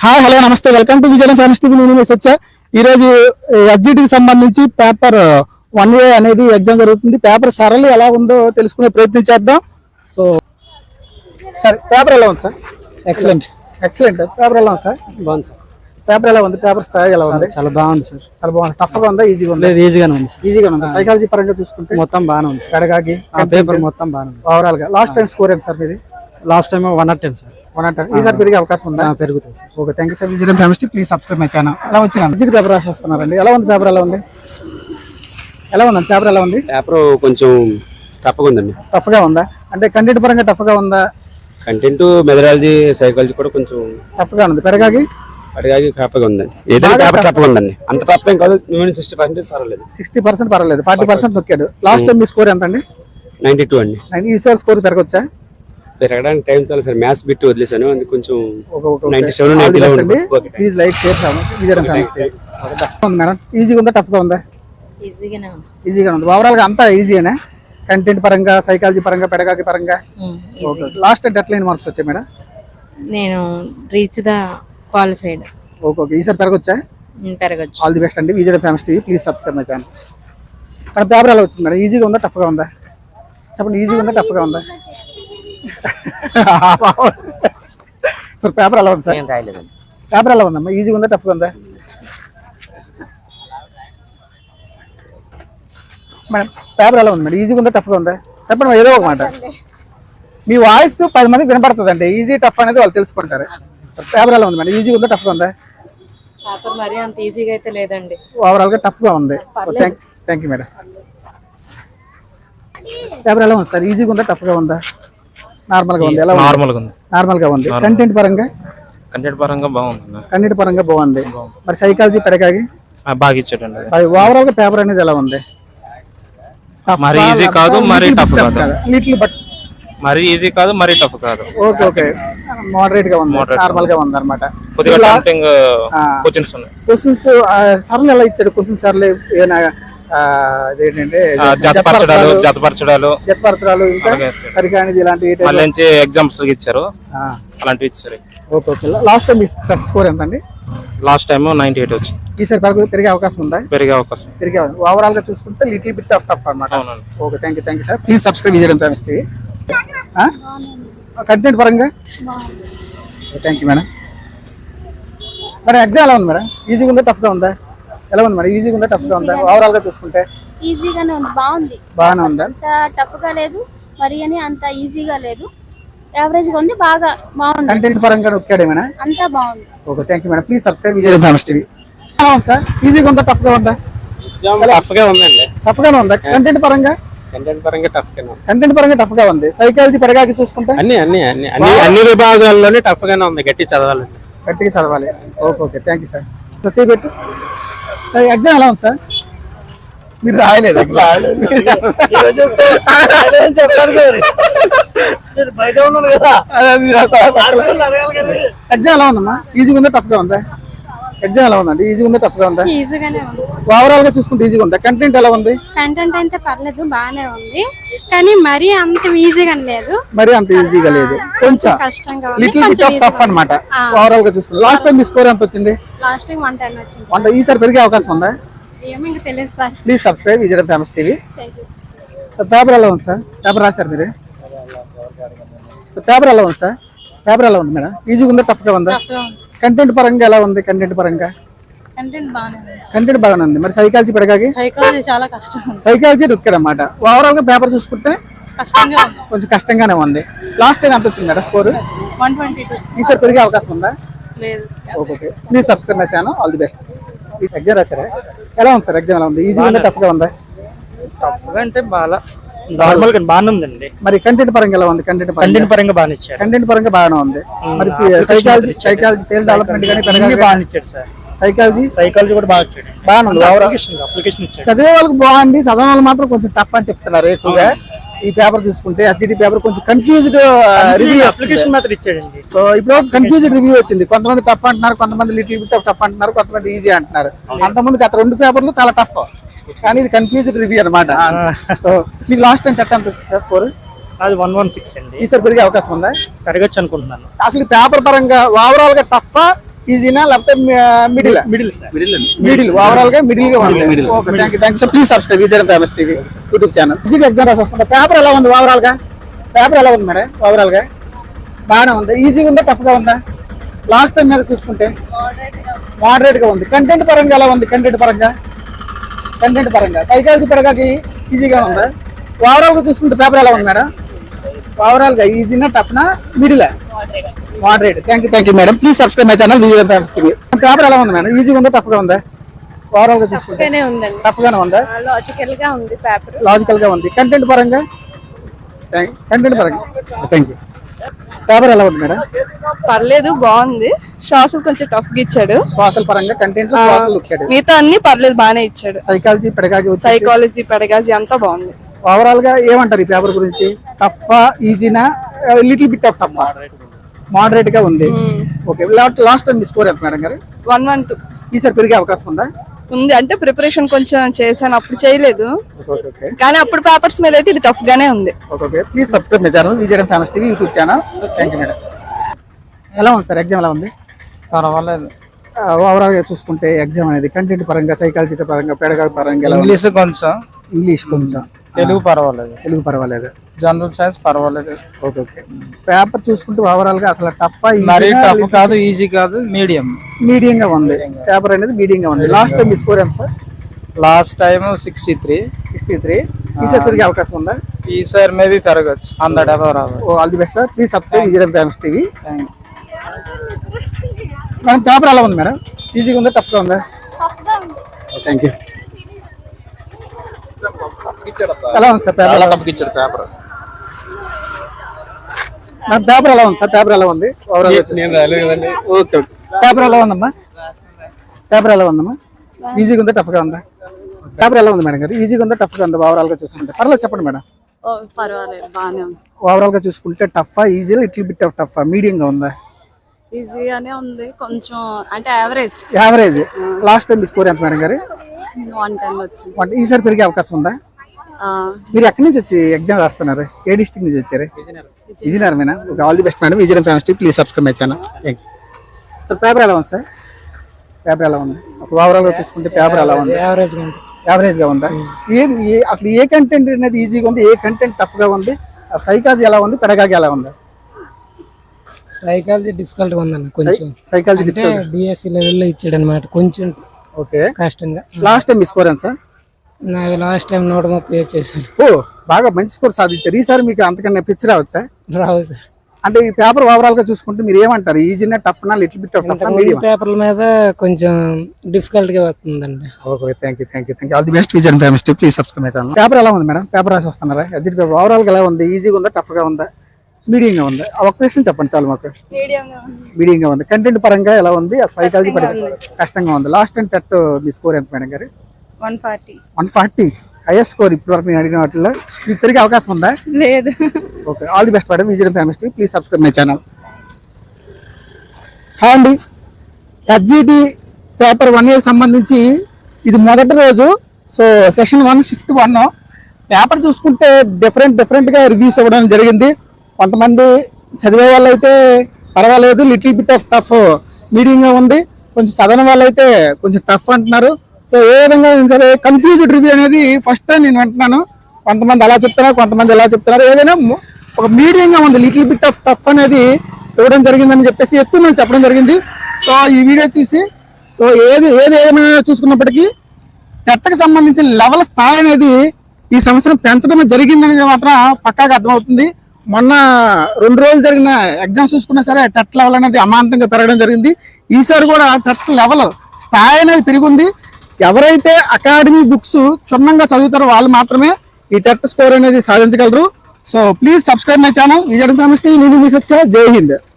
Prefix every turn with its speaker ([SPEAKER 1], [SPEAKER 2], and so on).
[SPEAKER 1] Hi hello నమస్తే welcome to Vizianagaram famous TV. నేను వచ్చా ఈరోజు ఎస్జిటికి సంబంధించి పేపర్ 1A అనేది ఎగ్జామ్ జరుగుతుంది. పేపర్ సరళి ఎలా ఉందో తెలుసుకునే ప్రయత్నం చేద్దాం. సో సార్ పేపర్ ఎలా ఉంది సార్? ఎక్సలెంట్ పేపర్ ఎలా ఉంది సార్?
[SPEAKER 2] బాగుంది.
[SPEAKER 1] పేపర్ ఎలా ఉంది? పేపర్ స్థాయి ఎలా ఉంది?
[SPEAKER 2] చాలా బాగుంది సార్.
[SPEAKER 1] చాలా బాగుంది. టఫ్గా ఉందా ఈజీగా ఉందా?
[SPEAKER 2] ఈజీగానే ఉంది సార్.
[SPEAKER 1] ఈజీగా ఉంది. సైకాలజీ పరంగా చూసుకుంటే
[SPEAKER 2] మొత్తం బాగానే ఉంది సార్.
[SPEAKER 1] కడగాకి
[SPEAKER 2] పేపర్ మొత్తం బాగానే ఉంది.
[SPEAKER 1] ఓవరాల్ గా లాస్ట్ టైం స్కోర్ ఎంత సార్ మీది?
[SPEAKER 2] Last time 110 sir.
[SPEAKER 1] 110. ఈసారి పెరిగే అవకాశం ఉందా?
[SPEAKER 2] పెరుగుతుంది sir.
[SPEAKER 1] Okay, thank you sir. Vizianagaram famous TV please subscribe my channel. ఎలా వచ్చినాను ఎస్జిటి పేపర్ రాసి వస్తున్నారండి. ఎలా ఉంది పేపర్? ఎలా ఉంది? ఎలా ఉందండి పేపర్? ఎలా ఉంది?
[SPEAKER 3] పేపర్ కొంచెం టఫ్గా ఉందండి.
[SPEAKER 1] టఫ్గా ఉందా అంటే కంటెంట్ పరంగా టఫ్గా ఉందా?
[SPEAKER 3] కంటెంట్ మెథడాలజీ సైకాలజీ కూడా కొంచెం
[SPEAKER 1] టఫ్గా ఉంది. పెరగాకి
[SPEAKER 3] అడిగాకి టఫ్గా ఉందండి. ఏదైనా పేపర్ టఫ్గా ఉందండి. అంత టఫ్ ఏం కాదు. 60% పర్వాలేదు.
[SPEAKER 1] 60% పర్వాలేదు. 40% నొక్కాడు. లాస్ట్ టైం మీ స్కోర్ ఎంత అండి?
[SPEAKER 3] 92 అండి.
[SPEAKER 1] ఈసారి స్కోర్ పెరగొచ్చా?
[SPEAKER 3] పెరగడానికి టైం చాలా సార్. మ్యాథ్స్ బిట్ వదిలేసాను, అది కొంచెం
[SPEAKER 1] okay.
[SPEAKER 3] 97 90
[SPEAKER 1] please like share Vizianagaram famous TV. ఉంది మేడం. ఈజీగా ఉందా టఫ్గా ఉందా? ఈజీగా ఉంది. ఓవరాల్ గా అంతా ఈజీయేనా? కంటెంట్ పరంగా సైకాలజీ పరంగా పెడగాకి పరంగా? ఓకే. లాస్ట్ డెడ్లైన్ మార్క్స్ వచ్చాయి మేడం?
[SPEAKER 4] నేను రీచ్ ద క్వాలిఫైడ్.
[SPEAKER 1] ఓకే. ఈసారి పెరగొచ్చా?
[SPEAKER 4] పెరగచ్చు.
[SPEAKER 1] ఆల్ ది బెస్ట్ అండి. Vizianagaram famous TV please subscribe my channel. మన పేపర్ ఎలా వచ్చింది మేడం? ఈజీగా ఉందా టఫ్గా ఉందా? చెప్పండి. ఈజీగా ఉందా టఫ్గా ఉందా? పేపర్ ఎలా ఉంది సార్? పేపర్ ఎలా ఉందమ్మా? ఈజీగా ఉందా టఫ్గా ఉందా? మేడం పేపర్ ఎలా ఉంది మేడం? ఈజీగా ఉందా టఫ్గా ఉందా? చెప్పండి ఏదో ఒక మాట. మీ వాయిస్ 10 మందికి వినపడుతుందండి. ఈజీ టఫ్ అనేది వాళ్ళు తెలుసుకుంటారు. పేపర్ ఎలా ఉంది మేడం? ఈజీగా ఉందా టఫ్గా ఉందా?
[SPEAKER 4] పేపర్ మరి అంత ఈజీగా అయితే లేదండి.
[SPEAKER 1] ఓవరాల్ గా టఫ్గా ఉంది. Thank you madam. పేపర్ ఎలా ఉంది సార్? ఈజీగా ఉందా టఫ్గా ఉందా? నార్మల్గా ఉంది. ఎలా నార్మల్గా ఉంది. కంటెంట్ పరంగా
[SPEAKER 3] బాగుంది.
[SPEAKER 1] కంటెంట్ పరంగా బాగుంది. మరి సైకాలజీ పెరగాకి
[SPEAKER 3] బాగా ఇచ్చాడండి.
[SPEAKER 1] ఓవరాల్ గా పేపర్ అనేది ఎలా ఉంది?
[SPEAKER 3] మరి ఈజీ కాదు, మరి టఫ్ కాదు.
[SPEAKER 1] లిటిల్ బట్
[SPEAKER 3] మరి ఈజీ కాదు, మరి టఫ్ కాదు.
[SPEAKER 1] ఓకే. మోడరేట్ గా ఉంది. నార్మల్ గా ఉంది అనమాట. క్వశ్చన్స్ సర్లు ఎలా ఇచ్చాడు? క్వశ్చన్స్ సర్లు ఏమైనా ఏంటంటే
[SPEAKER 3] జతపరచడాలు
[SPEAKER 1] ఇంకా సరికానిది ఇలాంటి
[SPEAKER 3] ఎగ్జామ్స్ ఇచ్చారు. అలాంటివి ఇచ్చారు.
[SPEAKER 1] ఓకే. లాస్ట్ టైం స్కోర్ ఎంత అండి?
[SPEAKER 3] లాస్ట్ టైం 98 వచ్చింది.
[SPEAKER 1] ఈసారి పెరిగే అవకాశం ఉందా?
[SPEAKER 3] పెరిగే అవకాశం.
[SPEAKER 1] ఓవరాల్ గా చూసుకుంటే లిటిల్ బిట్ ఆఫ్ టఫ్ అనమాట. Okay, thank you sir. Please subscribe Vizianagaram famous TV. Content పరంగా థ్యాంక్ యూ మేడం. మరి ఎగ్జామ్ ఎలా ఉంది మేడం? ఈజీగా ఉందా టఫ్గా ఉందా? ఎలా ఉంది మేడం? ఈజీగా ఉందా టఫ్గా ఉందా? ఓవరాల్ గా చూసుకుంటే
[SPEAKER 5] ఈజీగానే ఉంది.
[SPEAKER 1] బాగానే ఉందా?
[SPEAKER 5] అంత టఫ్ గా లేదు, మరి అని అంత ఈజీగా లేదు. యావరేజ్ గా ఉంది. బాగుంది.
[SPEAKER 1] కంటెంట్ పరంగా నొక్కాడేమైనా?
[SPEAKER 5] అంతా బాగుంది.
[SPEAKER 1] Okay, thank you madam. Please subscribe Vizianagaram famous TV. Sir ఈజీగా ఉందా టఫ్గా ఉందా?
[SPEAKER 3] టఫ్గా ఉందండి.
[SPEAKER 1] టఫ్గానే ఉందా? కంటెంట్ పరంగా టఫ్ గా ఉంది. సైకాలజీ పెరగాకి చూసుకుంటే
[SPEAKER 3] అన్ని విభాగాల్లోనే టఫ్ గానే ఉంది.
[SPEAKER 1] గట్టిగా చదవాలి. Okay, thank you sir. పెట్టు. ఎగ్జామ్ ఎలా ఉంది సార్? మీరు రాయలేదు ఎగ్జామ్ ఎలా ఉందమ్మా? ఈజీగా ఉందా టఫ్ గా ఉందా? ఎగ్జామ్ ఎలా ఉందండి? ఈజీగా ఉందా టఫ్ గా ఉందా? ఓవరాల్ గా చూసుకుంటే ఈజీగా ఉందా? కంటెంట్ ఎలా ఉంది?
[SPEAKER 5] కంటెంట్ అయితే పర్లేదు, బాగానే ఉంది. కానీ మరీ అంత ఈజీగా లేదు.
[SPEAKER 1] కొంచెం లిటిల్ బిట్ ఆఫ్ టఫ్ అన్నమాట. ఓవరాల్ గా చూసుకుంటే లాస్ట్ టైం మీ స్కోర్ ఎంత వచ్చింది?
[SPEAKER 5] లాస్ట్ టైం 110 వచ్చింది.
[SPEAKER 1] ఈసారి పెరిగే అవకాశం ఉందా?
[SPEAKER 5] ఏమో ఇంకా తెలియదు sir.
[SPEAKER 1] Please subscribe Vizianagaram famous TV. Paper ఎలా ఉంది సార్? పేపర్ రాశారు మీరు? పేపర్ ఎలా ఉంది సార్? పేపర్ ఎలా ఉంది మేడం? ఈజీగా ఉందా టఫ్ గా ఉందా? కంటెంట్ పరంగా ఎలా ఉంది? కంటెంట్ బాగానే ఉంది. మరి సైకాలజీ పెరగాకి?
[SPEAKER 4] చాలా కష్టం.
[SPEAKER 1] సైకాలజీ నొక్కాడన్నమాట. ఓవరాల్ గా పేపర్ చూసుకుంటే కొంచెం కష్టంగానే ఉంది. లాస్ట్ టైం ఎంత వచ్చింది మేడం స్కోర్?
[SPEAKER 4] 122.
[SPEAKER 1] ఈసారి పెరిగే అవకాశం ఉందా?
[SPEAKER 4] లేదు.
[SPEAKER 1] Okay, please subscribe my channel. All the best. Exam రాశారా? ఎలా ఉంది సార్? ఎగ్జామ్ ఎలా ఉంది? ఈజీగా ఉందా టఫ్ గా ఉందా?
[SPEAKER 2] అంటే నార్మల్ గా బాగానే ఉందండి.
[SPEAKER 1] మరి కంటెంట్ పరంగా ఎలా ఉంది? కంటెంట్ పరంగా బాగానే ఇచ్చారు. కంటెంట్ పరంగా బాగానే ఉంది. మరి సైకాలజీ సేల్ డెవలప్మెంట్ కానీ
[SPEAKER 2] బాగానే ఇచ్చాడు సార్.
[SPEAKER 1] సైకాలజీ కూడా బాగా ఇచ్చాడు. బాగానే ఉంది.
[SPEAKER 2] అప్లికేషన్ ఇచ్చాడు.
[SPEAKER 1] చదివే వాళ్ళకి బాగుంది. చదివే వాళ్ళు మాత్రం కొంచెం టఫ్ అని చెప్తున్నారు ఎక్కువగా. ఈ పేపర్ చూసుకుంటే ఎస్జిటి పేపర్ కొంచెం కన్ఫ్యూజ్డ్ రివ్యూ
[SPEAKER 2] అప్లికేషన్ మాత్రం ఇచ్చాడండి.
[SPEAKER 1] సో ఇప్పుడు కన్ఫ్యూజ్డ్ రివ్యూ వచ్చింది. కొంతమంది టఫ్ అంటున్నారు, కొంతమంది లిటిల్ బిట్ ఆఫ్ టఫ్ అంటున్నారు, కొంతమంది ఈజీ అంటున్నారు. అంతమంది గత 2 పేపర్లు చాలా టఫ్, కానీ ఇది కన్ఫ్యూజ్డ్ రివ్యూ అనమాట. సో మీకు లాస్ట్ టైం ఎంత వచ్చింది స్కోర్?
[SPEAKER 2] అది 116 అండి.
[SPEAKER 1] ఈసారి పెరిగే అవకాశం ఉందా?
[SPEAKER 2] పెరగచ్చు అనుకుంటున్నాను.
[SPEAKER 1] అసలు పేపర్ పరంగా ఓవరాల్ గా టఫ్ ఈజీనా లేకపోతే middle
[SPEAKER 2] middle sir
[SPEAKER 1] middle overall గా మిడిల్ గా ఉంది. Okay, thank you. Please subscribe Vijay famous TV YouTube channel. Exam రాసి వస్తుంది. పేపర్ ఎలా ఉంది ఓవరాల్ గా? పేపర్ ఎలా ఉంది మేడం ఓవరాల్ గా? బాగానే ఉంది. ఈజీగా ఉందా టఫ్ గా ఉందా? లాస్ట్ టైం మీద చూసుకుంటే మోడరేట్ గా ఉంది. కంటెంట్ పరంగా ఎలా ఉంది? కంటెంట్ పరంగా సైకాలజీ పరంగా ఈజీగా ఉందా? ఓవరాల్ గా చూసుకుంటే పేపర్ ఎలా ఉంది మేడం? ఓవరాల్ గా ఈజీనా టఫ్నా middle? Moderate. Thank you madam. Please subscribe my channel Vijay famous TV. Paper ఎలా ఉంది మేడం? ఈజీగా ఉందా టఫ్ గా ఉందా? ఓవరాల్ గా చూసుకుంటే
[SPEAKER 5] ఉందండి.
[SPEAKER 1] టఫ్ గానే ఉందా?
[SPEAKER 5] లాజికల్ గా ఉంది పేపర్.
[SPEAKER 1] లాజికల్ గా ఉంది. కంటెంట్ పరంగా థ్యాంక్ యూ. పేపర్ ఎలా ఉంది మేడం?
[SPEAKER 6] పర్లేదు, బాగుంది. శ్వాసలు కొంచెం టఫ్ గా ఇచ్చాడు.
[SPEAKER 1] సోషల్ పరంగా కంటెంట్ సోషల్ ఇచ్చాడు.
[SPEAKER 6] మిగతా అన్ని పర్లేదు, బాగానే ఇచ్చాడు.
[SPEAKER 1] సైకాలజీ
[SPEAKER 6] పెడగాజీ అంతా బాగుంది.
[SPEAKER 1] ఓవరాల్ గా ఏమంటారు ఈ పేపర్ గురించి? టఫ్ ఈజీనా little bit of tough? Moderate గా ఉంది. ఓకే, లాస్ట్ టైం మీ స్కోర్ ఎంత మేడం గారు?
[SPEAKER 6] 112
[SPEAKER 1] ఈసారి పెరిగే అవకాశం ఉందా?
[SPEAKER 6] ఉంది. అంటే ప్రిపరేషన్ కొంచెం చేశాను, అప్పుడు చేయలేదు.
[SPEAKER 1] ఓకే,
[SPEAKER 6] కానీ అప్పుడు పేపర్స్ మీద అయితే ఇది టఫ్ గానే ఉంది.
[SPEAKER 1] Okay. Please subscribe my channel Vijay famous TV YouTube channel. Thank you madam. ఎలా ఉంది సార్ ఎగ్జామ్? ఎలా ఉంది?
[SPEAKER 2] పర్వాలేదు.
[SPEAKER 1] ఓవరాల్ గా చూసుకుంటే ఎగ్జామ్ అనేది కంటెంట్ పరంగా సైకాలజీ పరంగా పెడగాజీ పరంగా ఎలా ఉంది? ఇంగ్లీష్ కొంచెం,
[SPEAKER 2] తెలుగు
[SPEAKER 1] పర్వాలేదు,
[SPEAKER 2] జనరల్ సైన్స్ పర్వాలేదు.
[SPEAKER 1] ఓకే. పేపర్ చూసుకుంటే ఓవరాల్ గా అసలు టఫ్
[SPEAKER 2] మరీ టఫ్ కాదు, ఈజీ కాదు,
[SPEAKER 1] మీడియం గా ఉంది. పేపర్ అనేది మీడియం గా ఉంది. లాస్ట్ టైం మీ స్కోర్ ఎంత సార్?
[SPEAKER 2] Last time 63.
[SPEAKER 1] ఈసారి పెరిగే అవకాశం ఉందా?
[SPEAKER 2] ఈసారి మేబీ పెరగచ్చు, 100 above రావచ్చు.
[SPEAKER 1] All the best sir. Please subscribe Vijay famous TV. Madam paper ఎలా ఉంది మేడం? ఈజీగా ఉందా టఫ్ గా ఉందా? Thank you. ఎలా ఉంది sir paper?
[SPEAKER 3] Paper
[SPEAKER 1] madam paper ఎలా ఉంది సార్? పేపర్ ఎలా ఉంది ఓవరాల్? ఓకే. పేపర్ ఎలా ఉందమ్మా? ఈజీగా ఉందా టఫ్ గా ఉందా? పేపర్ ఎలా ఉంది మేడం గారు? ఈజీగా ఉందా టఫ్ గా ఉందా ఓవరాల్ గా చూసుకుంటే? పర్లేదు చెప్పండి మేడం.
[SPEAKER 6] పర్వాలేదు, బాగానే ఉంది.
[SPEAKER 1] ఓవరాల్ గా చూసుకుంటే tough easy little bit of tough medium గా ఉందా?
[SPEAKER 6] ఈజీగానే ఉంది కొంచెం, అంటే
[SPEAKER 1] యావరేజ్. లాస్ట్ టైం మీ స్కోర్ ఎంత మేడం గారు?
[SPEAKER 6] 110 వచ్చింది.
[SPEAKER 1] ఈసారి పెరిగే అవకాశం ఉందా? మీరు ఎక్కడి నుంచి వచ్చి ఎగ్జామ్ రాస్తున్నారు? ఏ డిస్ట్రిక్ట్ నుంచి వచ్చారు? విజయనగరమేనా? All the best madam. Vizianagaram famous TV please subscribe my channel. Thank you sir. Paper ఎలా ఉంది సార్? పేపర్ ఎలా ఉంది అసలు ఓవరాల్ గా చూసుకుంటే? పేపర్ ఎలా ఉంది? యావరేజ్ గా ఉందా? అసలు ఏ కంటెంట్ అనేది ఈజీగా ఉంది, ఏ కంటెంట్ టఫ్ గా ఉంది? సైకాలజీ ఎలా ఉంది, పెడగాజీ ఎలా ఉంది?
[SPEAKER 7] సైకాలజీ డిఫికల్ట్ గా ఉందన్న కొంచెం.
[SPEAKER 1] సైకాలజీ డిఫికల్ట్
[SPEAKER 7] డిఎస్సి లెవెల్లో ఇచ్చాడు అనమాట, కొంచెం
[SPEAKER 1] ఓకే
[SPEAKER 7] కష్టంగా.
[SPEAKER 1] లాస్ట్ టైం మీ స్కోర్ ఎంత సార్?
[SPEAKER 7] నాకు లాస్ట్ టైం 130 చేశాను.
[SPEAKER 1] ఓ, బాగా మంచి స్కోర్ సాధించారు. ఈసారి మీకు అంతకన్నా పిచ్చి రావచ్చా?
[SPEAKER 7] రావు సార్.
[SPEAKER 1] అంటే ఈ పేపర్ ఓవరాల్ గా చూసుకుంటే మీరు ఏమంటారు? ఈజీనా టఫ్నా little bit of tough medium?
[SPEAKER 7] పేపర్ల మీద కొంచెం డిఫికల్ట్ గా వస్తుందండి.
[SPEAKER 1] Okay, thank you. All the best Vijay famous TV please subscribe my channel. Paper ఎలా ఉంది మేడం? పేపర్ రాసి వస్తున్నారా? ఎగ్జిట్ పేపర్ ఓవరాల్ గా ఎలా ఉంది? ఈజీగా ఉందా టఫ్ గా ఉందా? మీడియం గా ఉందా? ఒక క్వశ్చన్ చెప్పండి చాలు మాకు. మీడియం గా ఉంది. కంటెంట్ పరంగా ఎలా ఉంది? సైకాలజీ పరంగా కష్టంగా ఉంది. లాస్ట్ టైం టెట్ మీ స్కోర్ ఎంత మేడం గారు? 140. హైయెస్ట్ స్కోర్ ఇప్పటి వరకు నేను అడిగిన వాటిలో. మీకు పెరిగే అవకాశం ఉందా?
[SPEAKER 6] లేదు.
[SPEAKER 1] Okay, all the best madam. Vijay famous TV please subscribe my channel. Hi అండి. హెచ్జిటి పేపర్ 1A సంబంధించి ఇది మొదటి రోజు. సో సెషన్ 1 షిఫ్ట్ 1 పేపర్ చూసుకుంటే డిఫరెంట్ గా రివ్యూస్ ఇవ్వడం జరిగింది. కొంతమంది చదివే వాళ్ళు అయితే పర్వాలేదు, లిటిల్ బిట్ ఆఫ్ టఫ్ మీడియంగా ఉంది. కొంచెం చదవని వాళ్ళు అయితే కొంచెం టఫ్ అంటున్నారు. సో ఏ విధంగా సరే కన్ఫ్యూజ్డ్ రివ్యూ అనేది ఫస్ట్ టైం నేను వింటున్నాను. కొంతమంది అలా చెప్తున్నారు, కొంతమంది ఎలా చెప్తున్నారు. ఏదైనా ఒక మీడియంగా ఉంది, లిటిల్ బిట్ ఆఫ్ టఫ్ అనేది ఇవ్వడం జరిగిందని చెప్పేసి ఎక్కువ మంది చెప్పడం జరిగింది. సో ఈ వీడియో చూసి సో ఏమైనా చూసుకున్నప్పటికీ టెట్కి సంబంధించిన లెవెల్ స్థాయి అనేది ఈ సంవత్సరం పెంచడం జరిగిందనేది మాత్రం పక్కాగా అర్థమవుతుంది. మొన్న 2 రోజులు జరిగిన ఎగ్జామ్స్ చూసుకున్నా సరే టెట్ లెవెల్ అనేది అమాంతంగా పెరగడం జరిగింది. ఈసారి కూడా టెట్ లెవెల్ స్థాయి అనేది పెరిగింది. ఎవరైతే అకాడమీ బుక్స్ క్షుణ్ణంగా చదువుతారో వాళ్ళు మాత్రమే ఈ టెట్ స్కోర్ అనేది సాధించగలరు. So please subscribe my channel Vijay famous TV. నేను మిస్ వచ్చా. జై హింద్.